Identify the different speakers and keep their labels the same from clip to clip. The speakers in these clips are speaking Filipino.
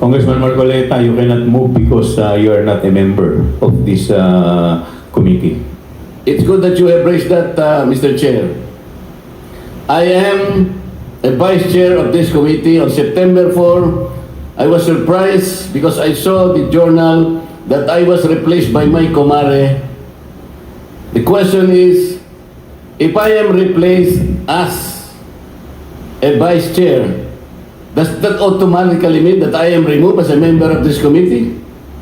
Speaker 1: Congressman Marcoleta, you cannot move because you are not a member of this committee.
Speaker 2: It's good that you have raised that, Mr. Chair. I am a vice chair of this committee. On September 4, I was surprised because I saw the journal that I was replaced by my comare. The question is, if I am replaced as a vice chair, does that automatically mean that I am removed as a member of this committee?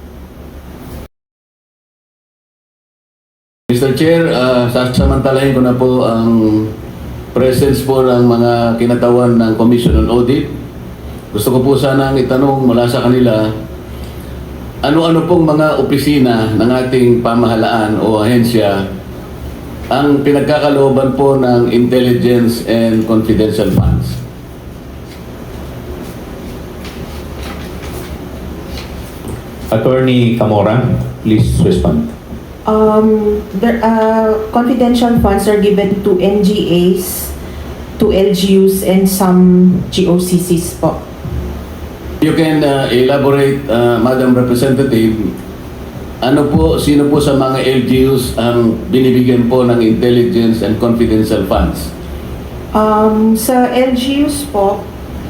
Speaker 2: Mr. Chair, sasamantalahin ko na po ang presence po ng mga kinatawan ng Commission on Audit. Gusto ko po sanang itanong mula sa kanila, ano-ano pong mga opisina ng ating pamahalaan o ahensya ang pinagkakalooban po ng intelligence and confidential funds?
Speaker 1: Attorney Camora, please respond.
Speaker 3: Confidential funds are given to NGAs, to LGUs, and some GOCCs po.
Speaker 2: You can elaborate, Madam Representative, sino po sa mga LGUs ang binibigyan po ng intelligence and confidential funds?
Speaker 3: Sa LGUs po,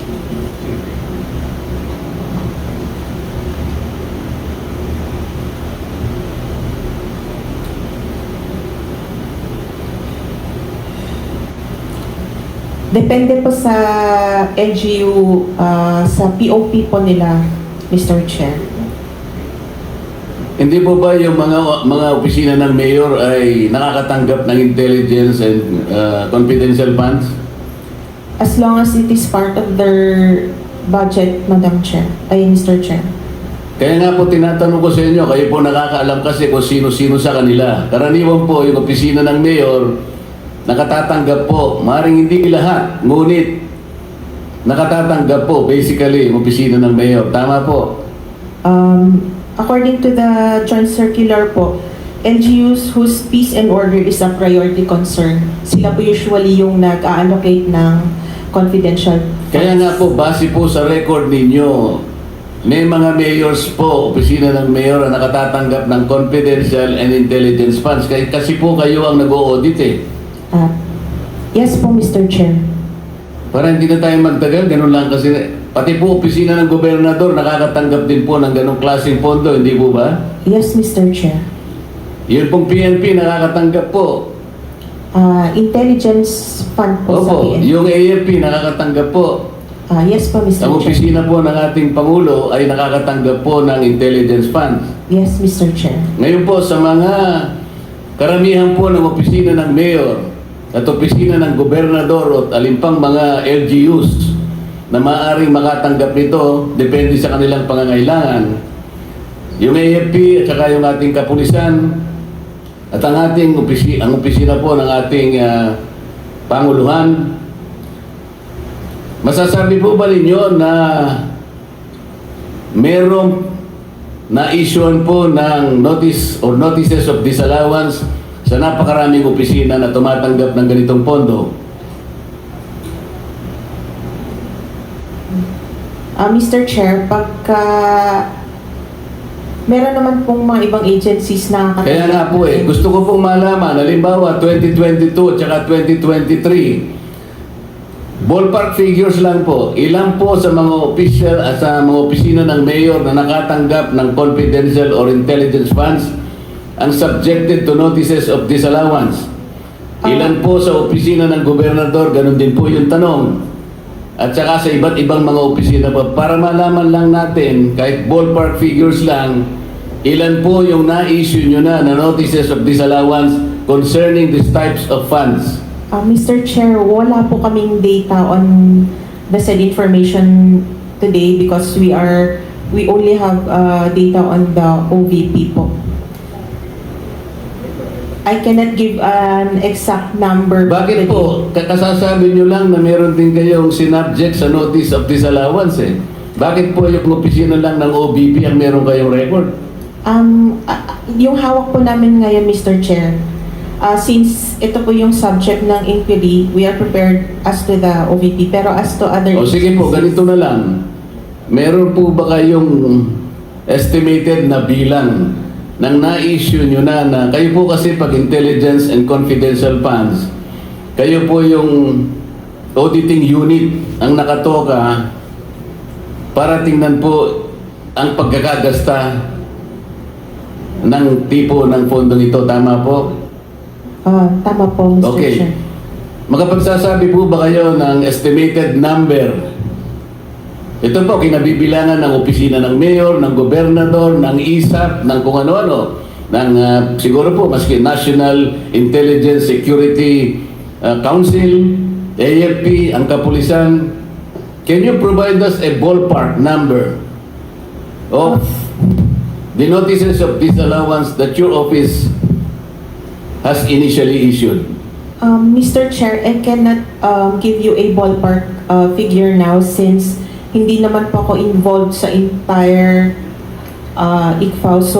Speaker 3: depende po sa LGU, sa POP po nila, Mr. Chair.
Speaker 2: Hindi po ba yung mga opisina ng mayor ay nakakatanggap ng intelligence and confidential funds?
Speaker 3: As long as it is part of their budget, Madam Chair, ay Mr. Chair.
Speaker 2: Kaya nga po tinatanong ko sa inyo, kayo po nakakaalam kasi kung sino-sino sa kanila. Karaniwan po yung opisina ng mayor, nakatatanggap po, maaaring hindi lahat, ngunit nakatatanggap po basically yung opisina ng mayor. Tama po?
Speaker 3: According to the joint circular po, LGUs whose peace and order is a priority concern, sila po usually yung nag-allocate ng confidential funds.
Speaker 2: Kaya nga po, base po sa record ninyo, may mga mayors po, opisina ng mayor na nakatatanggap ng confidential and intelligence funds. Kasi po kayo ang nag-o-audit eh.
Speaker 3: Yes po, Mr. Chair.
Speaker 2: Para hindi na tayo magtagal, ganun lang kasi. Pati po opisina ng gobernador nakakatanggap din po ng ganung klaseng pondo, hindi po ba?
Speaker 3: Yes, Mr. Chair.
Speaker 2: Yun pong PNP nakakatanggap po.
Speaker 3: Intelligence fund po sa
Speaker 2: Opo,
Speaker 3: PNP.
Speaker 2: yung AFP nakakatanggap po.
Speaker 3: Yes po, Mr.
Speaker 2: Ang
Speaker 3: Chair.
Speaker 2: opisina po ng ating Pangulo ay nakakatanggap po ng intelligence funds.
Speaker 3: Yes, Mr. Chair.
Speaker 2: Ngayon po sa mga karamihan po ng opisina ng mayor at opisina ng gobernador at alimpang mga LGUs na maaaring makatanggap nito, depende sa kanilang pangangailangan. Yung AFP at saka yung ating kapulisan at ang ating opisina po ng ating Panguluhan, masasabi po ba ninyo na merong na-issuean po ng notice or notices of disallowance sa napakaraming opisina na tumatanggap ng ganitong pondo?
Speaker 3: Mr. Chair, pagka meron naman pong mga ibang agencies na
Speaker 2: Kaya nga po gusto ko pong malaman, halimbawa 2022 at saka 2023, ballpark figures lang po, ilan po sa mga official at sa mga opisina ng mayor na nakatanggap ng confidential or intelligence funds ang subjected to notices of disallowance? Ilan po sa opisina ng gobernador, ganun din po yung tanong. At saka sa iba't ibang mga opisina po, para malaman lang natin, kahit ballpark figures lang, ilan po yung na-issue nyo na notices of disallowance concerning these types of funds?
Speaker 3: Mr. Chair, wala po kaming data on the said information today because we only have data on the OVP po. I cannot give an exact number.
Speaker 2: Bakit po? Kasasabi nyo lang na meron din kayong sinubject sa notice of disallowance eh. Bakit po yung opisina lang ng OVP ang meron kayong record?
Speaker 3: Yung hawak po namin ngayon, Mr. Chair, since ito po yung subject ng inquiry, we are prepared as to the OVP. Pero as to other...
Speaker 2: O sige po, ganito na lang. meron po ba kayong estimated na bilang ng na-issue nyo na kayo po kasi pag intelligence and confidential funds, kayo po yung auditing unit ang nakatoka para tingnan po ang pagkakagasta ng tipo ng fondong ito. Tama po?
Speaker 3: Tama po, Mr.
Speaker 2: Okay.
Speaker 3: Chair.
Speaker 2: Makapagsasabi po ba kayo ng estimated number? Ito po, kinabibilangan ng opisina ng mayor, ng gobernador, ng ISAP, ng kung ano-ano, ng siguro po, maski National Intelligence Security Council, AFP, ang kapulisan. Can you provide us a ballpark number of the notices of disallowance that your office has initially issued?
Speaker 3: Mr. Chair, I cannot give you a ballpark figure now since hindi naman po ako involved sa entire ICFAO. So,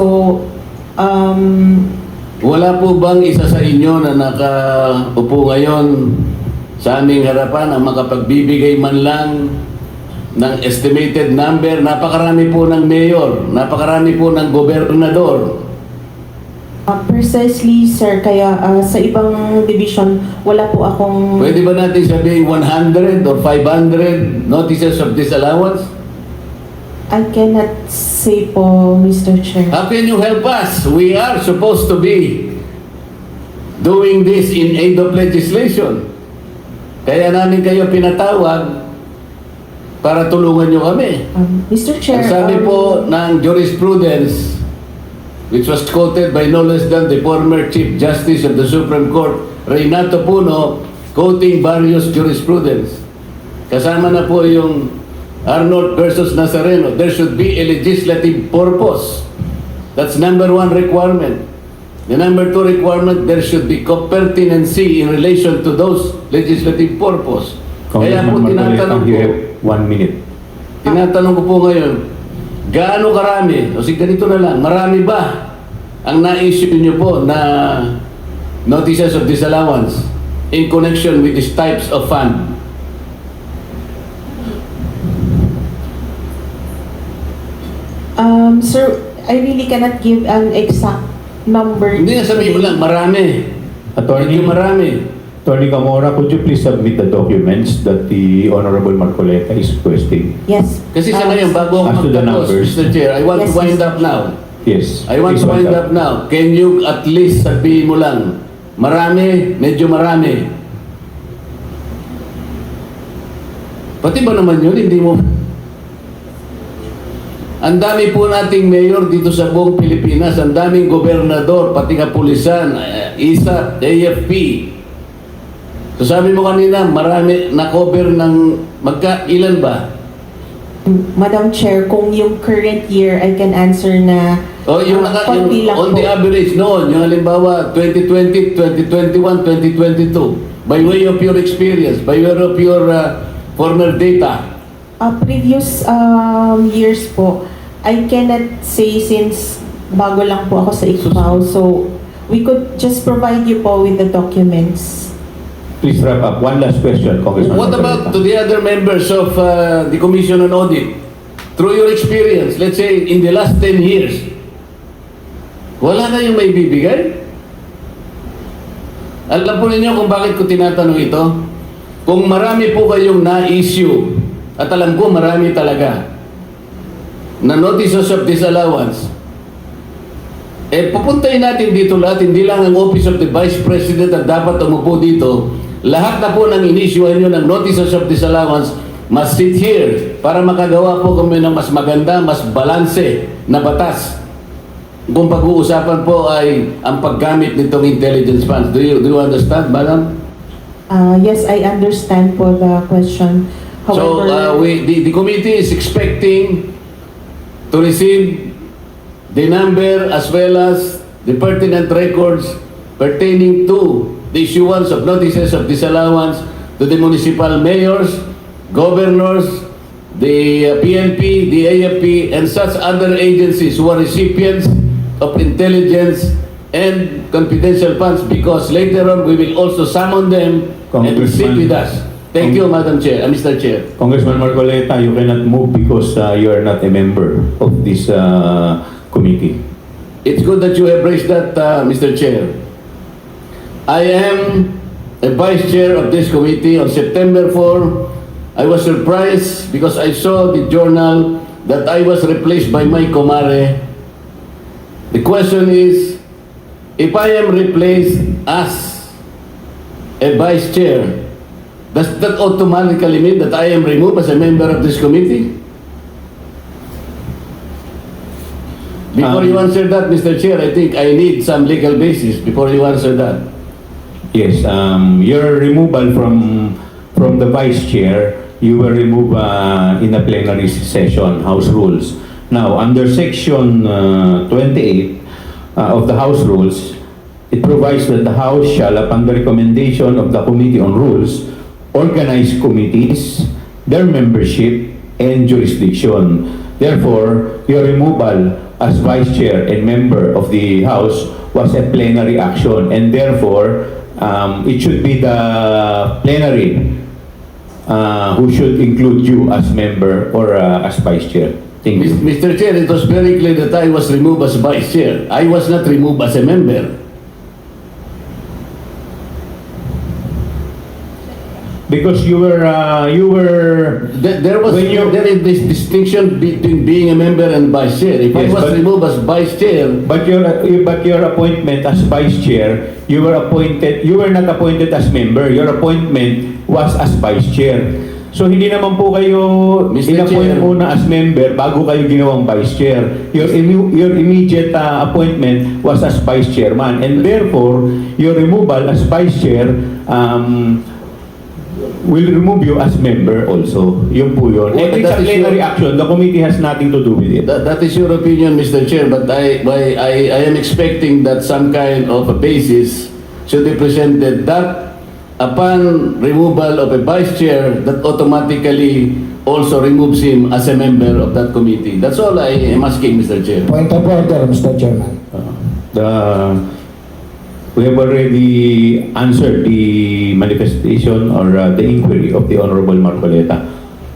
Speaker 2: Wala po bang isa sa inyo na nakaupo ngayon sa aming harapan ang makapagbibigay man lang ng estimated number? Napakarami po ng mayor, napakarami po ng gobernador.
Speaker 3: precisely, sir, kaya sa ibang division, wala po akong...
Speaker 2: Pwede ba natin sabihin 100 or 500 notices of disallowance?
Speaker 3: I cannot say po, Mr. Chair.
Speaker 2: How can you help us? We are supposed to be doing this in aid of legislation. Kaya namin kayo pinatawag para tulungan nyo kami.
Speaker 3: Mr. Chair,
Speaker 2: Ang sabi po ng jurisprudence, which was quoted by no less than the former Chief Justice of the Supreme Court, Reynato Puno, quoting various jurisprudence. Kasama na po yung Arnold versus Nazareno. There should be a legislative purpose. That's number one requirement. The number two requirement, there should be pertinency in relation to those legislative purpose. Kaya po
Speaker 1: Congressman
Speaker 2: tinatanong
Speaker 1: Marcoleta, you
Speaker 2: ko,
Speaker 1: have 1 minute.
Speaker 2: tinatanong ko po ngayon, gaano karami, o sige ganito na lang, marami ba ang na-issue niyo po na notices of disallowance in connection with these types of fund?
Speaker 3: Sir, I really cannot give an exact number.
Speaker 2: Hindi nga sabihin mo lang, marami.
Speaker 1: Attorney,
Speaker 2: Medyo marami.
Speaker 1: Attorney Camora, could you please submit the documents that the Honorable Marcoleta is requesting?
Speaker 3: Yes.
Speaker 2: Kasi sa ngayon, bago
Speaker 1: As
Speaker 2: ako
Speaker 1: to the
Speaker 2: magtapos,
Speaker 1: numbers.
Speaker 2: Mr. Chair, I want to
Speaker 3: Yes,
Speaker 2: wind
Speaker 3: Mr.
Speaker 2: up now.
Speaker 1: Yes.
Speaker 2: I want
Speaker 1: please
Speaker 2: to wind up now. Can you at least sabihin mo lang, marami, medyo marami. Pati ba naman yun, hindi mo... Ang dami po nating mayor dito sa buong Pilipinas, ang daming gobernador, pati kapulisan, ISAP, AFP. So sabi mo kanina, marami na-cover ng ilan ba?
Speaker 3: Madam Chair, kung yung current year, I can answer na
Speaker 2: O yung,
Speaker 3: konti lang
Speaker 2: on
Speaker 3: po.
Speaker 2: the average noon, yung halimbawa 2020, 2021, 2022, by way of your experience, by way of your former data,
Speaker 3: Previous years po, I cannot say since bago lang po ako sa ICFAO. So, we could just provide you po with the documents.
Speaker 1: Please wrap up. One last question, Congressman
Speaker 2: what about to
Speaker 1: Marcoleta.
Speaker 2: the other members of the Commission on Audit? Through your experience, let's say in the last 10 years, wala na yung may bibigay? Alam po ninyo kung bakit ko tinatanong ito? Kung marami po kayong na-issue, at alam ko marami talaga, na notices of disallowance, pupuntahin natin dito lahat, hindi lang ang Office of the Vice President ang dapat umupo dito. Lahat na po ng inisyuhan nyo ng notices of disallowance must sit here para makagawa po kami ng mas maganda, mas balanse na batas. Kung pag-uusapan po ay ang paggamit nitong intelligence funds. Do you understand, madam?
Speaker 3: Yes, I understand po the question.
Speaker 2: So,
Speaker 3: However,
Speaker 2: the committee is expecting to receive the number as well as the pertinent records pertaining to the issuance of notices of disallowance to the municipal mayors, governors, the PNP, the AFP, and such other agencies who are recipients of intelligence and confidential funds, because later on we will also summon them and sit
Speaker 1: Congressman.
Speaker 2: with us. Thank you, Madam Chair, Mr. Chair.
Speaker 1: Congressman Marcoleta, you cannot move because you are not a member of this committee.
Speaker 2: It's good that you have raised that, Mr. Chair. I am a vice chair of this committee. On September 4, I was surprised because I saw the journal that I was replaced by my comare. The question is, if I am replaced as a vice chair, does that automatically mean that I am removed as a member of this committee? Before you answer that, Mr. Chair, I think I need some legal basis before you answer that.
Speaker 1: Yes, your removal from the vice chair, you were removed in a plenary session, House Rules. Now, under Section 28 of the House Rules, it provides that the House shall, upon the recommendation of the Committee on Rules, organize committees, their membership, and jurisdiction. Therefore, your removal as vice chair and member of the House was a plenary action, and therefore, it should be the plenary who should include you as member or as vice chair. Thank you.
Speaker 2: Mr. Chair, it was very clear that I was removed as vice chair. I was not removed as a member.
Speaker 1: Because you were
Speaker 2: There is this distinction between being a member and vice chair. If
Speaker 1: Yes,
Speaker 2: I was
Speaker 1: but-
Speaker 2: removed as vice chair,
Speaker 1: but your appointment as vice chair, you were not appointed as member. Your appointment was as vice chair. So hindi naman po kayo
Speaker 2: Mr.
Speaker 1: in-appoint
Speaker 2: Chair.
Speaker 1: muna as member bago kayo ginawang vice chair. Your immediate appointment was as vice chairman, and therefore your removal as vice chair will remove you as member also. Yun po yun.
Speaker 2: Well,
Speaker 1: And it's a
Speaker 2: that is
Speaker 1: plenary
Speaker 2: your-
Speaker 1: action. The committee has nothing to do with it.
Speaker 2: that is your opinion, Mr. Chair, but I am expecting that some kind of a basis should be presented that upon removal of a vice chair, that automatically also removes him as a member of that committee. That's all I am asking, Mr. Chair.
Speaker 4: Point of order, Mr. Chairman.
Speaker 1: We have already answered the manifestation or the inquiry of the Honorable Marcoleta.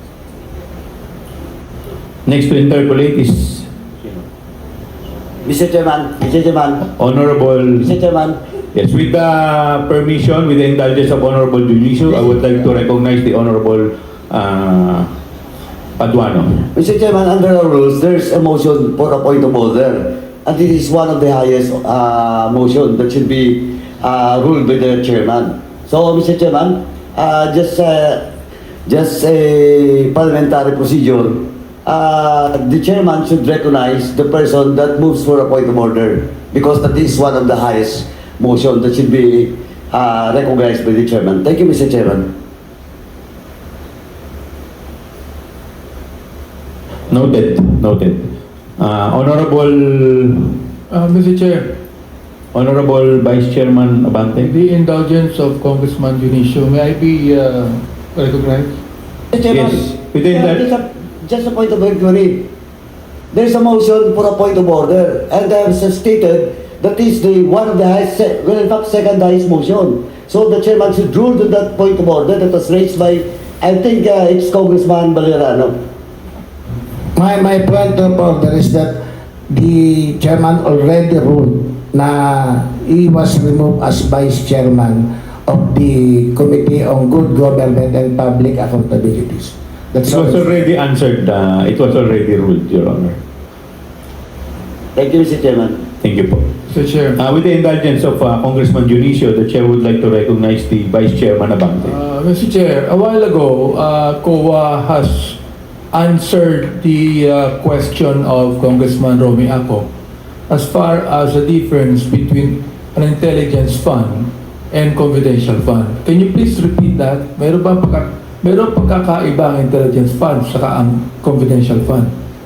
Speaker 1: Next to interpolate is
Speaker 5: Mr. Chairman,
Speaker 1: Honorable.
Speaker 5: Mr. Chairman,
Speaker 1: Yes, with the permission, with the indulgence of Honorable Junicio, I would like to recognize the Honorable Paduano.
Speaker 5: Mr. Chairman, under our rules, there's a motion for a point of order. And this is one of the highest motion that should be ruled by the chairman. So, Mr. Chairman, just a parliamentary procedure. The chairman should recognize the person that moves for a point of order because that is one of the highest motion that should be recognized by the chairman. Thank you, Mr. Chairman.
Speaker 1: Noted. Honorable
Speaker 6: Mr. Chair,
Speaker 1: Honorable Vice Chairman Abante.
Speaker 6: the indulgence of Congressman Dionisio, may I be recognized?
Speaker 5: Mr. Chairman,
Speaker 1: Yes, within that.
Speaker 5: just a point of inquiry. There's a motion for a point of order, and I have stated that is the one of the highest, well, in fact, second highest motion. So the chairman should rule to that point of order that was raised by, I think it's Congressman Valerano.
Speaker 4: My point of order is that the chairman already ruled na he was removed as vice chairman of the Committee on Good Government and Public Accountabilities.
Speaker 1: It
Speaker 4: That's
Speaker 1: was
Speaker 4: all.
Speaker 1: already answered. It was already ruled, Your Honor.
Speaker 5: Thank you, Mr. Chairman.
Speaker 1: Thank you po.
Speaker 6: Mr. Chair,
Speaker 1: With the indulgence of Congressman Dionisio, the Chair would like to recognize the Vice Chairman Abante.
Speaker 6: Mr. Chair, a while ago, COA has answered the question of Congressman Romy Ako as far as the difference between an intelligence fund and confidential fund. Can you please repeat that? Meron pagkakaiba ang intelligence fund saka ang confidential fund?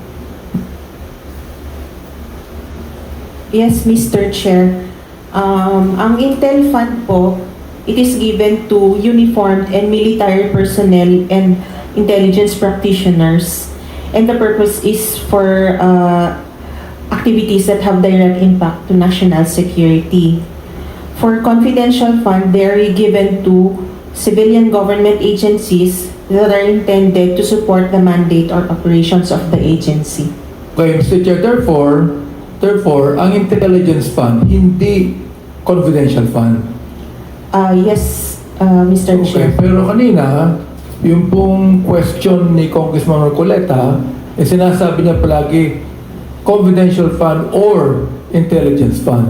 Speaker 3: Yes, Mr. Chair. Ang Intel Fund po, it is given to uniformed and military personnel and intelligence practitioners. And the purpose is for activities that have direct impact to national security. For confidential fund, they are given to civilian government agencies that are intended to support the mandate or operations of the agency.
Speaker 6: Okay, Mr. Chair, therefore, ang intelligence fund, hindi confidential fund.
Speaker 3: Yes, Mr.
Speaker 6: Okay,
Speaker 3: Chair.
Speaker 6: pero kanina, yung pong question ni Congressman Marcoleta, sinasabi niya palagi, confidential fund or intelligence fund.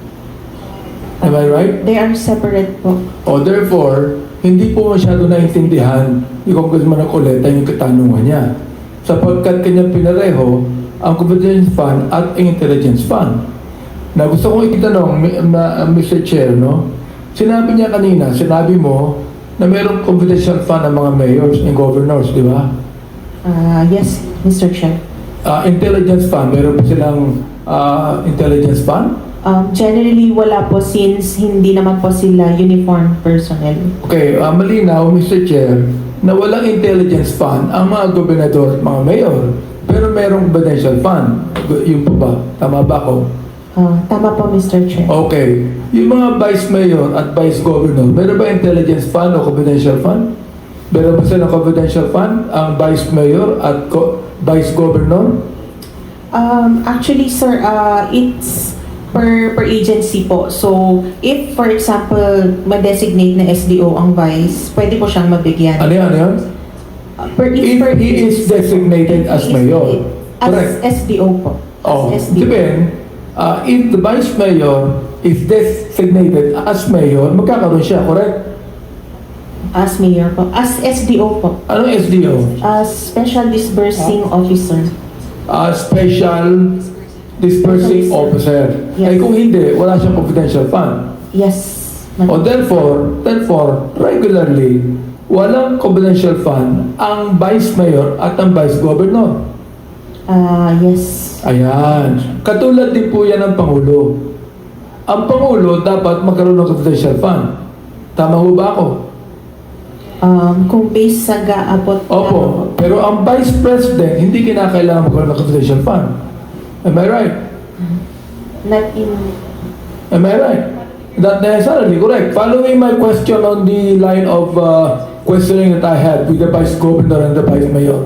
Speaker 6: Am I right?
Speaker 3: They are separate po.
Speaker 6: O therefore, hindi po masyado naintindihan ni Congressman Marcoleta yung katanungan niya. Sapagkat kanya pinareho ang confidential fund at ang intelligence fund. Na gusto kong itanong, Mr. Chair, no? Sinabi niya kanina, sinabi mo na mayroong confidential fund ng mga mayors and governors, di ba?
Speaker 3: Yes, Mr. Chair.
Speaker 6: Intelligence fund, meron po silang intelligence fund?
Speaker 3: Generally, wala po since hindi naman po sila uniform personnel.
Speaker 6: Okay, malinaw, Mr. Chair, na walang intelligence fund ang mga gobernador at mga mayor. Pero merong confidential fund. Yun po ba? Tama ba ako?
Speaker 3: Tama po, Mr. Chair.
Speaker 6: Okay. Yung mga vice mayor at vice governor, meron ba intelligence fund o confidential fund? Meron ba silang confidential fund ang vice mayor at vice governor?
Speaker 3: Actually, sir, it's per agency po. So, if for example, ma-designate na SDO ang vice, pwede po siyang mabigyan.
Speaker 6: Ano yan? If he is designated as mayor. Correct.
Speaker 3: As SDO po.
Speaker 6: Oh,
Speaker 3: As SDO.
Speaker 6: depend. If the vice mayor is designated as mayor, magkakaroon siya, correct?
Speaker 3: As mayor po. As SDO po.
Speaker 6: Anong SDO?
Speaker 3: As Special Disbursing Officer.
Speaker 6: Special Dispersing Officer.
Speaker 3: Yes.
Speaker 6: Ay kung hindi, wala siyang confidential fund.
Speaker 3: Yes.
Speaker 6: O therefore, regularly, walang confidential fund ang vice mayor at ang vice governor.
Speaker 3: Yes.
Speaker 6: Ayan. Katulad din po yan ng Pangulo. Ang Pangulo dapat magkaroon ng confidential fund. Tama ho ba ako?
Speaker 3: Kung based sa GAA po.
Speaker 6: Opo. Pero ang Vice President, hindi kinakailangan magkaroon ng confidential fund. Am I right?
Speaker 3: Not in...
Speaker 6: Am I right? Not necessarily correct. Following my question on the line of questioning that I had with the Vice Governor and the Vice Mayor.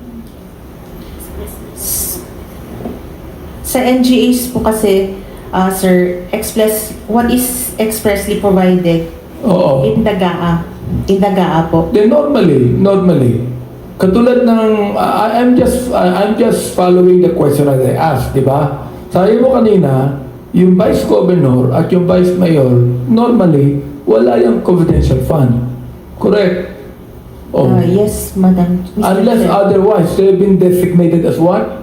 Speaker 3: Sa NGAs po kasi, sir, what is expressly provided
Speaker 6: Oo.
Speaker 3: in the GAA. In the GAA po.
Speaker 6: Then normally, katulad ng, I'm just following the question that I asked, di ba? Sabi mo kanina, yung Vice Governor at yung Vice Mayor, normally, wala yung confidential fund. Correct? Oh.
Speaker 3: Yes, Madam. Mr.
Speaker 6: Unless
Speaker 3: Chair.
Speaker 6: otherwise, they've been designated as what?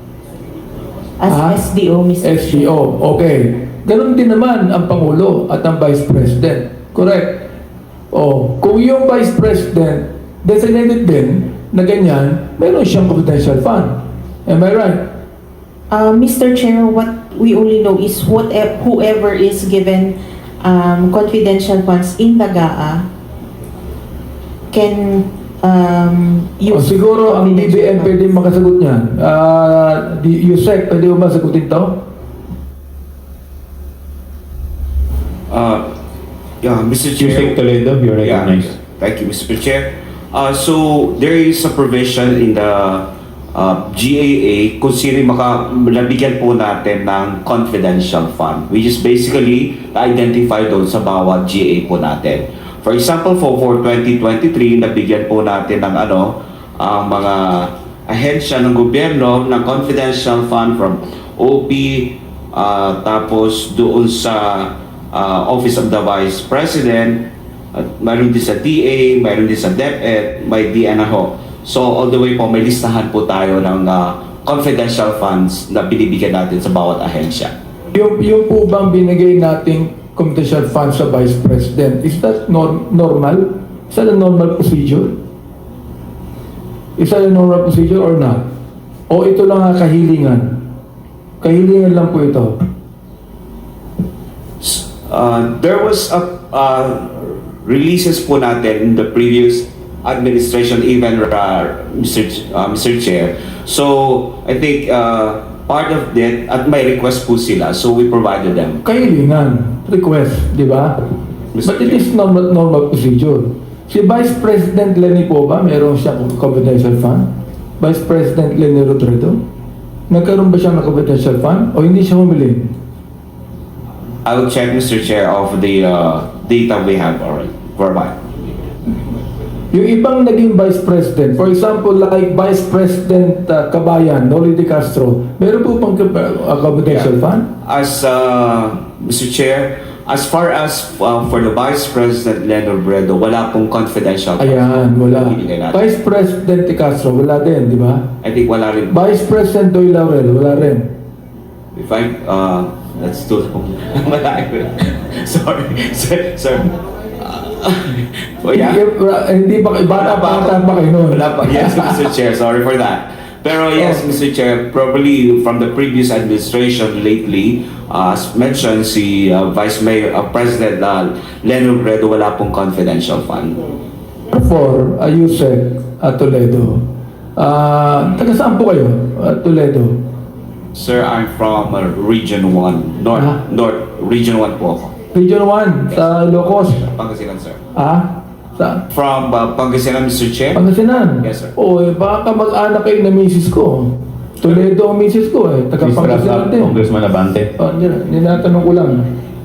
Speaker 3: As SDO, Mr.
Speaker 6: SDO. Okay. Ganon din naman ang Pangulo at ang Vice President. Correct? Oh, kung yung Vice President designated din na ganyan, meron siyang confidential fund. Am I right?
Speaker 3: Mr. Chair, what we only know is whoever is given confidential funds in the GAA can
Speaker 6: O
Speaker 3: use
Speaker 6: siguro ang
Speaker 3: confidential
Speaker 6: DBM pwede
Speaker 3: funds.
Speaker 6: makasagot niyan. USEC, pwede mo ba sagutin to?
Speaker 7: Yeah, Mr.
Speaker 1: Yusek
Speaker 7: Chair.
Speaker 1: Toledo, you're
Speaker 7: Yeah,
Speaker 1: recognized.
Speaker 7: thank you, Mr. Chair. So there is a provision in the GAA kung sino nabigyan po natin ng confidential fund, which is basically identify doon sa bawat GAA po natin. For example, for 2023, nabigyan po natin ng ang mga ahensya ng gobyerno ng confidential fund from OP, tapos doon sa Office of the Vice President, mayroon din sa DA, mayroon din sa DepEd, may DNRO. So all the way po, may listahan po tayo ng confidential funds na binibigyan natin sa bawat ahensya.
Speaker 6: Yung po bang binigay nating confidential funds sa Vice President, is that normal? Is that a normal procedure? Is that a normal procedure or not? O ito lang ang kahilingan? Kahilingan lang po ito.
Speaker 7: There was releases po natin in the previous administration, even Mr. Chair. So I think part of that, at may request po sila, so we provided them.
Speaker 6: Kahilingan, request, di ba?
Speaker 7: Mr.
Speaker 6: But it
Speaker 7: Chair.
Speaker 6: is normal procedure. Si Vice President Lenny po ba, meron siyang confidential fund? Vice President Lenny Robredo? Nagkaroon ba siya ng confidential fund? O hindi siya humili?
Speaker 7: I will check, Mr. Chair, of the data we have already. Verbal.
Speaker 6: Yung ibang naging Vice President, for example, like Vice President Kabayan, Noli De Castro, meron po bang confidential fund?
Speaker 7: As Mr. Chair, as far as for the Vice President Leonard Bredo, wala pong confidential.
Speaker 6: Ayan, wala.
Speaker 7: Ibigay natin.
Speaker 6: Vice President De Castro, wala din, di ba?
Speaker 7: I think wala rin.
Speaker 6: Vice President Doy Laurel, wala rin.
Speaker 7: If I, that's too long. Wala rin. Sorry, sir. Oh, yeah?
Speaker 6: Hindi pa, bata pa kayo noon.
Speaker 7: Wala pa. Yes, Mr. Chair. Sorry for that. Pero yes, Mr. Chair, probably from the previous administration lately, as mentioned, si Vice Mayor, President Leonard Bredo, wala pong confidential fund.
Speaker 6: For Ayusek Toledo. Taga saan po kayo, Toledo?
Speaker 7: Sir, I'm from Region 1, North, Region 1 po ako.
Speaker 6: Region 1, sa Ilocos.
Speaker 7: Pangasinan, sir.
Speaker 6: Sa
Speaker 7: From Pangasinan, Mr. Chair?
Speaker 6: Pangasinan?
Speaker 7: Yes, sir.
Speaker 6: O, baka mag-anak kayo na misis ko. Toledo ang misis ko eh. Taga
Speaker 1: Please wrap
Speaker 6: Pangasinan
Speaker 1: up,
Speaker 6: din.
Speaker 1: Congressman Abante.
Speaker 6: Ninatanong ko lang.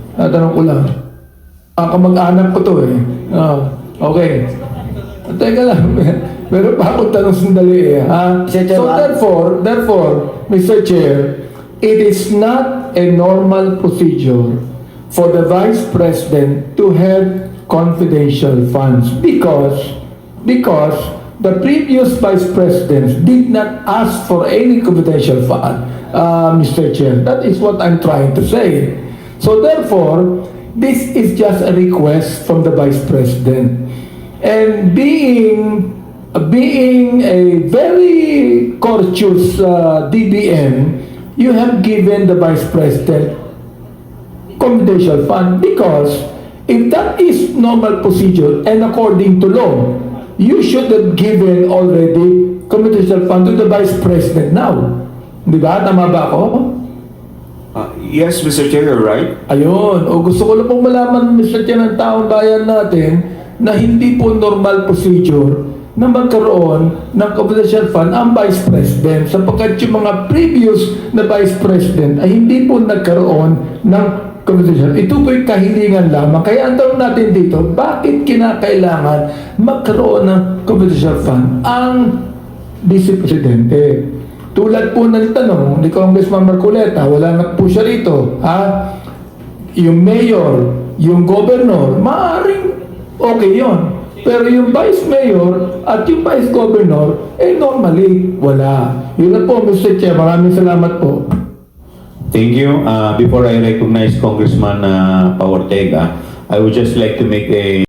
Speaker 6: Baka mag-anak ko to eh. Okay. Teka lang. Meron pa akong tanong sandali eh.
Speaker 5: Mr.
Speaker 6: So
Speaker 5: Chairman.
Speaker 6: therefore, Mr. Chair, it is not a normal procedure for the Vice President to have confidential funds because the previous Vice Presidents did not ask for any confidential fund, Mr. Chair. That is what I'm trying to say. So therefore, this is just a request from the Vice President. And being a very courteous DBM, you have given the Vice President confidential fund because if that is normal procedure and according to law, you should have given already confidential fund to the Vice President now. Di ba? Tama ba ako?
Speaker 7: Yes, Mr. Chair, you're right.
Speaker 6: Ayun. O gusto ko lang pong malaman, Mr. Chair, ng taong bayan natin na hindi po normal procedure na magkaroon ng confidential fund ang Vice President sapagkat yung mga previous na Vice President ay hindi po nagkaroon ng confidential. Ito po'y kahilingan lamang. Kaya ang tanong natin dito, bakit kinakailangan magkaroon ng confidential fund ang Vice Presidente? Tulad po ng tanong ni Congressman Marcoleta, wala na po siya rito. Yung mayor, yung governor, maaaring okay yon. Pero yung vice mayor at yung vice governor, normally, wala. Yun na po, Mr. Chair. Maraming salamat po.
Speaker 1: Thank you. Before I recognize Congressman Paortega, I would just like to make a